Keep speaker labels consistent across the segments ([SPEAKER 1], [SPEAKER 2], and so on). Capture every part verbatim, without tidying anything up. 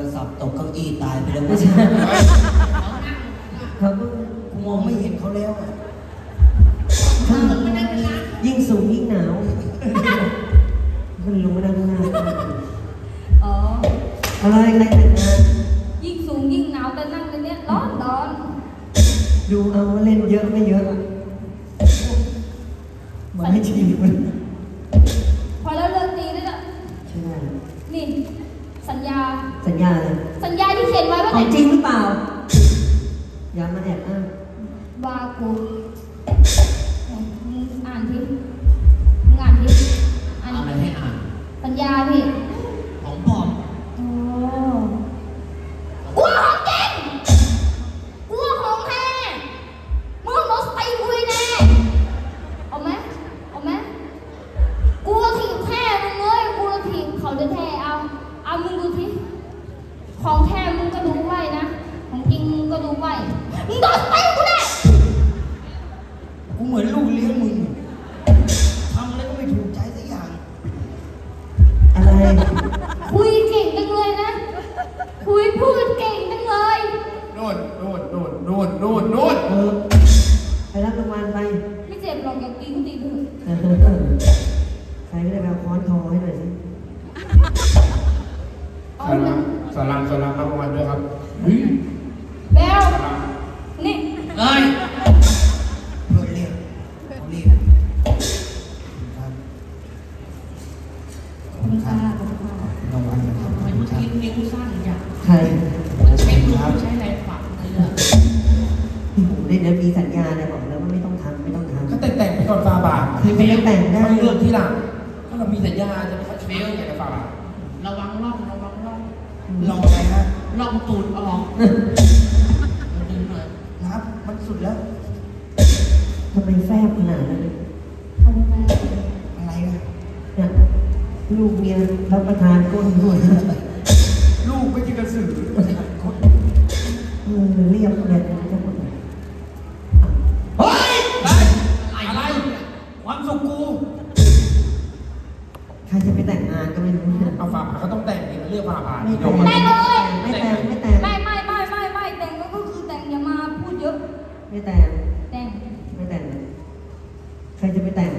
[SPEAKER 1] ศัพท์ตกเก้าอี้ตายไปแล้ว
[SPEAKER 2] ไม่ใช่เขาก็
[SPEAKER 1] กูมองไม่เห็นเขาแล้วอะ
[SPEAKER 2] ยิ่งสูงยิ่งหนาวมันลงมาด้านหน้า
[SPEAKER 3] อ๋อ
[SPEAKER 2] อะไรใครแต่งงาน
[SPEAKER 3] ยิ่งสูงยิ่งหนาวแต่นั่งในเนี้ยร้อนร้อน
[SPEAKER 2] ดูเอาว่าเล่นเยอะไม่เยอะมาให้ชีวิตมัน
[SPEAKER 3] พอแล้วเลิกตีได้แล้ว
[SPEAKER 2] ใช่ไหม
[SPEAKER 3] นี่สัญญา
[SPEAKER 2] สัญญาอะไร
[SPEAKER 3] สัญญาที่เขียนไว้ว่า
[SPEAKER 2] ของจริงหรือเปล่า อย่ามาแอบอ้าง
[SPEAKER 3] ว่ากูมึงอ่านทีมึงอ่านทีอ่าน
[SPEAKER 1] เอาอะไรให้อ่าน
[SPEAKER 3] สัญญาพี่
[SPEAKER 1] ของปลอม
[SPEAKER 3] โอ้กลัวของจริงกลัวของแท้มึงรถไฟคุยแน่เอาไหมเอาไหมกลัวถีบแท้มึงเลยกลัวถีบเขาจะแท้เอาเอามึงดูทีของแท้มึงก็รู้ไว้นะของจริงมึงก็รู้ไว้มึงโดนไปกูแน่
[SPEAKER 1] กูเหมือนลูกเลี้ยงมึงทำอะไรก็ไม่ถูกใจสักอย่าง
[SPEAKER 2] อะไร
[SPEAKER 3] คุยเก่งจังเลยนะคุยพูดเก่งจังเลย
[SPEAKER 4] โน่นโน่นโน่นโน่นโน่นโน่น
[SPEAKER 2] เออไปรับรางวัลไป
[SPEAKER 3] ไม่เจ็บหรอกอยากกินก็ตีเถอะ
[SPEAKER 2] เออใครก็ได้ไปเอาค้อนคอให้หน่อยสิ
[SPEAKER 3] เอา
[SPEAKER 4] สา
[SPEAKER 3] เล
[SPEAKER 4] รั
[SPEAKER 3] ย
[SPEAKER 4] มสารัมสารัมรับรางวัลด้วยครับ
[SPEAKER 3] แบลนี่
[SPEAKER 1] เอ้ยเพื่อนเรียกเขาเรียกครับ
[SPEAKER 3] ขอบคุณค่ะขอบคุณค่ะ
[SPEAKER 1] รางวัลนะครับขอบคุณครับ
[SPEAKER 5] กินนิ้วสั้นอย่าง
[SPEAKER 2] ใคร
[SPEAKER 5] ใช้มือใช้แรงฝังเลยอะ
[SPEAKER 2] ที่ผมได้นะมีสัญญาเนี่ยบอกแล้วว่าไม่ต้องทำไม่ต้องทำ
[SPEAKER 4] ก็แต่งแต่งไปก่อนฟาบาท
[SPEAKER 2] คือไม่ได้แต่งได้
[SPEAKER 4] ไม่เลือกที่หลังถ้าเรามีสัญญาจะไม่เฟลอย่างกับฟาบาท
[SPEAKER 5] ระวังร่องระวังร่อง
[SPEAKER 1] ลองอะไรฮะ
[SPEAKER 5] ร่องตูดออกดึงเลย
[SPEAKER 1] นับมันสุดแล้ว
[SPEAKER 2] ทำไมแฟบขนาดนั้น
[SPEAKER 3] ขอบคุณค่ะ
[SPEAKER 1] อะไรนะ
[SPEAKER 2] เนี่ยลูกเมียรับประทานก้นด้วย
[SPEAKER 4] ลูกไม่ใช่กระสือ
[SPEAKER 2] เออเรียบเลยจะหมด
[SPEAKER 1] เฮ้ย
[SPEAKER 4] อะไร
[SPEAKER 1] ความสุขกู
[SPEAKER 2] ใครจะไปแต่งงานก็ไม่รู้เนี่ย
[SPEAKER 4] เอาฟาบาทเขาต้องแต่งนี่เลือกฟาบาท
[SPEAKER 2] ไม่
[SPEAKER 4] นี่
[SPEAKER 2] แต่ง
[SPEAKER 4] มา
[SPEAKER 3] ได้เลย
[SPEAKER 2] ไม่แต่งไม่แต่ง
[SPEAKER 3] ไม่ไม่ไม่ไม่ไม่แต่งก็คือแต่งอย่ามาพูดเยอะ
[SPEAKER 2] ไม่แต่ง
[SPEAKER 3] แต่ง
[SPEAKER 2] ไม่แต่งใครจะไปแต่ง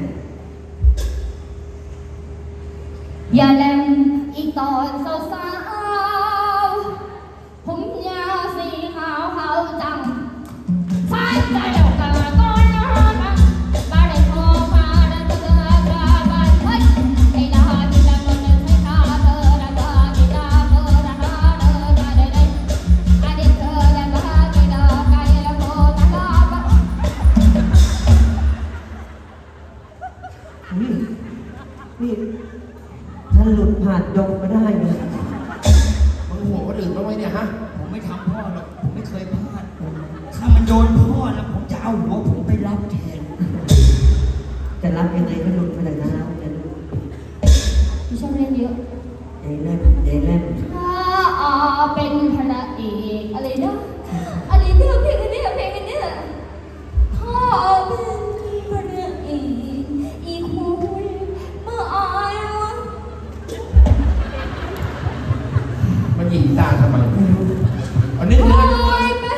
[SPEAKER 3] อย่าแลมอีกตอนสาวๆผมยาวสีขาวขาวจังสายใจเดียวกันก็น่ารักบ้านได้พอมาได้เจอกันบ้านเฮ้ยไอ้ดาที่ดังโดนเดินให้ข้าเธอดาดาที่ดาเธอดาดาเธอดาได้ได้ไอ้เด็กเธอดาดาที่ดาไกลแล้วโคตรดาบ้า
[SPEAKER 2] นี่นี่ถ้าหลุดผ่านดงมาได้เนี่ย
[SPEAKER 4] มึงหัวคนอื่นบ้างไหมเนี่ยฮะ
[SPEAKER 1] ผมไม่ทำพ่อหรอกผมไม่เคยพลาดถ้ามันโดนพ่อแล้วผมจะเอาหัวผมไปรับแทน
[SPEAKER 2] จะรับยังไงก็หลุดมาแต่แล้วเนี่ย
[SPEAKER 3] พี่ชอบเล่นเยอะ
[SPEAKER 2] ใหญ่แล่นใหญ่แล่น
[SPEAKER 3] ถ้าอาเป็นพระเอกอะไรนะอะไรเนี่ยเพลงอันเนี้ยเพลงอันเนี้ยถ้าเป็นพระเอกอีกคนเมื่ออายวะ
[SPEAKER 4] มันหยิงตาทำไม
[SPEAKER 2] ไม่รู้
[SPEAKER 4] อันนี้
[SPEAKER 3] โอ้
[SPEAKER 4] เนื้อย
[SPEAKER 3] เป็น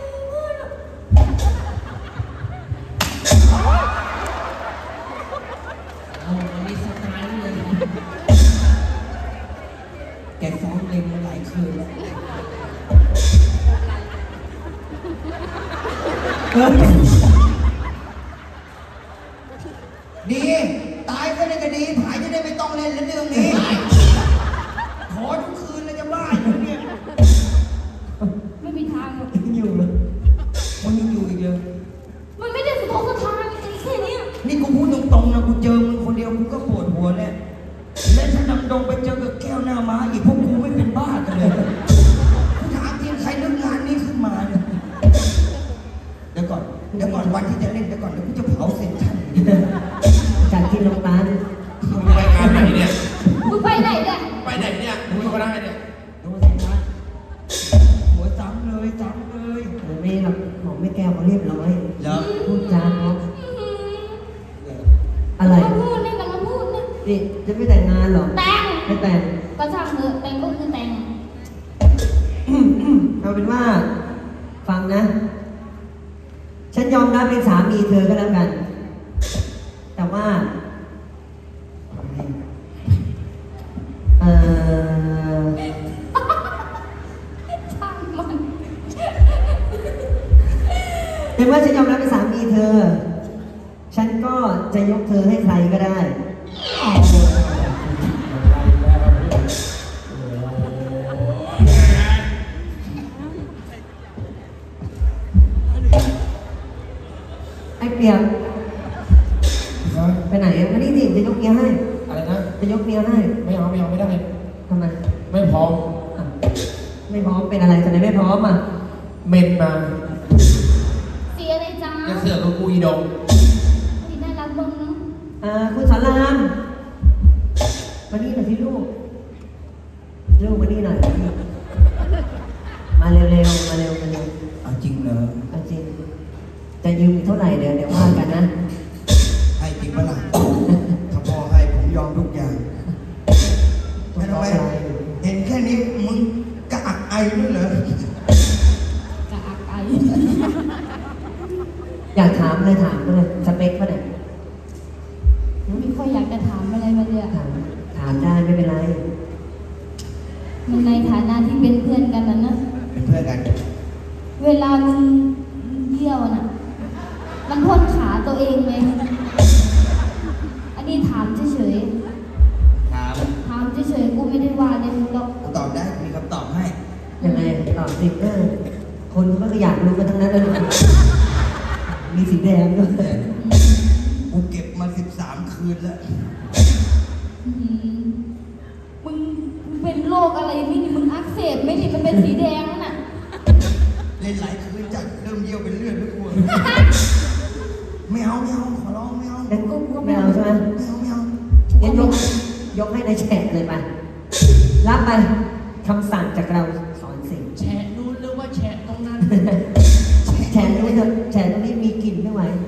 [SPEAKER 5] โอ้มันมีสไตล์เลย
[SPEAKER 1] แกซ้อมเล่นมาหลายคืนแล้ว
[SPEAKER 2] เออ
[SPEAKER 1] ดี ตายก็ได้ก็ดีผายจะได้ไม่ต้องเล่นแล้วเรื่องนี้ ขอทุกคืนเลยจะบ้าอยู่เนี่ย
[SPEAKER 3] ไม่มีทางหรอก
[SPEAKER 2] ยังอยู่เลย
[SPEAKER 1] มันยังอยู่อีกเลย
[SPEAKER 3] มันไม่ได้สะทกสะท้านจริงแค่เนี้ย
[SPEAKER 1] นี่กูพูดตรงๆนะกูเจอมึงคนเดียวกูก็ปวดหัวแล้วและถ้านำดงไปเจอกับแก้วหน้าม้าอีกพวกกูไม่เป็นบ้ากันเลยกูถามจริงใครนึกงานนี้ขึ้นมาเนี่ยเดี๋ยวก่อนเดี๋ยวก่อนวันที่จะเล่นเดี๋ยวก่อนเดี๋ยวกูจะเผาเซ็นทรัล
[SPEAKER 2] จากที่โรงพยาบาล
[SPEAKER 4] มึงไปงานไหนเนี่ย
[SPEAKER 3] มึงไปไหนเนี่ย
[SPEAKER 4] ไปไหนเนี่ยมึงก็ได้เนี่ย
[SPEAKER 1] ดูสิครับหัวซ้ำเลยซ้ำเลย
[SPEAKER 2] เออไม่หรอกหมอไม่แก้วเขาเรียบร้อย
[SPEAKER 1] เหรอ
[SPEAKER 2] พูดจาเพราะ
[SPEAKER 3] อื้อหือ
[SPEAKER 2] อะไร
[SPEAKER 3] มาพูดนี่มันมาพูดนี่
[SPEAKER 2] นี่จะไม่แต่งงานเหรอ
[SPEAKER 3] แต่ง
[SPEAKER 2] ไม่แต่ง
[SPEAKER 3] ก็ช่างเถอะแต่งก็คือแต่ง
[SPEAKER 2] เป็นว่า ฟังนะ ฉันยอมรับเป็นสามีเธอก็แล้วกัน แต่ว่า เออ
[SPEAKER 3] ช่างมัน
[SPEAKER 2] ในเมื่อฉันยอมรับเป็นสามีเธอ ฉันก็จะยกเธอให้ใครก็ได้ ไอ้เปียกไปไหนอ่ะมานี่สิจะยกเมียให้
[SPEAKER 4] อะไรนะ
[SPEAKER 2] จะยกเมียให้
[SPEAKER 4] ไม่เอาไม่เอาไม่ได้
[SPEAKER 2] ทำไม
[SPEAKER 4] ไม่พร้อม
[SPEAKER 2] อ่ะไม่พร้อมเป็นอะไรทำไมไม่พร้อมอ่ะ
[SPEAKER 4] เมนมา
[SPEAKER 3] เสียอะไรจ้า
[SPEAKER 4] จะเสือกกับกูอีดง
[SPEAKER 3] ดีน่ารักบ้างเนาะ
[SPEAKER 2] อ่าคุณสอนรามมานี่หน่อยสิลูก ลูกมานี่หน่อยมานี่มาเร็วๆ มาเร็วมาเร็ว
[SPEAKER 1] เอาจริงเหรอ
[SPEAKER 2] เอาจริง จะยืมอีกเท่าไหร่เดี๋ยวเดี๋ยวว่ากันนะ
[SPEAKER 1] ให้จริงปะล่ะถ้าพ่อให้ผมยอมทุกอย่างไม่ทำไมเห็นแค่นี้มึงกระอักไอด้วยเหรอ
[SPEAKER 3] กะอักไอ
[SPEAKER 2] อยากถามเลยถามเลยสเปคป่ะเนี่ย
[SPEAKER 3] ไม่ค่อยอยากจะถามอะไรมาเลยอะ
[SPEAKER 2] ถามถามได้ไม่เป็นไร
[SPEAKER 3] มันในฐานะที่เป็นเพื่อนกันนะนะ
[SPEAKER 1] เป็นเพื่อนกัน
[SPEAKER 3] เวลามึงเยี่ยวน่ะ มันพ่นขาตัวเองไหมอันนี้ถามเฉย
[SPEAKER 1] ถาม
[SPEAKER 3] ๆถามเฉยๆกูไม่ได้ว่าเลยมึงหรอก
[SPEAKER 1] กูตอบได้มีคำตอบให้
[SPEAKER 2] ยังไงตอบสิเออคนเขาก็อยากรู้กันทั้งนั้นเลยมีสีแดงด้วย
[SPEAKER 1] กูเก็บมาสิบสามคืนแล้ว
[SPEAKER 3] อืมมึงมึงเป็นโรคอะไรไม่นี่มึงอักเสบไม่นี่มันเป็นสีแดงนั่นน่ะ
[SPEAKER 1] เล่นหลายคืนจัดเริ่มเยี่ยวเป็นเลือดด้วยกูไม่เอาไม่เอาขอร้องไม่เอา
[SPEAKER 2] งั้นก็ไม่เอาใช่ไหม
[SPEAKER 1] ไม่เอาไม่เอา
[SPEAKER 2] งั้นยกยกให้ในายแฉะเลยไป รับไปคำสั่งจากเราสอนสิ่ง
[SPEAKER 5] แฉะนู้นหรือว่าแฉะตรงนั้น
[SPEAKER 2] แฉะตรงนี้เถอะแฉะตรงนี้มีกลิ่นไม่ไหว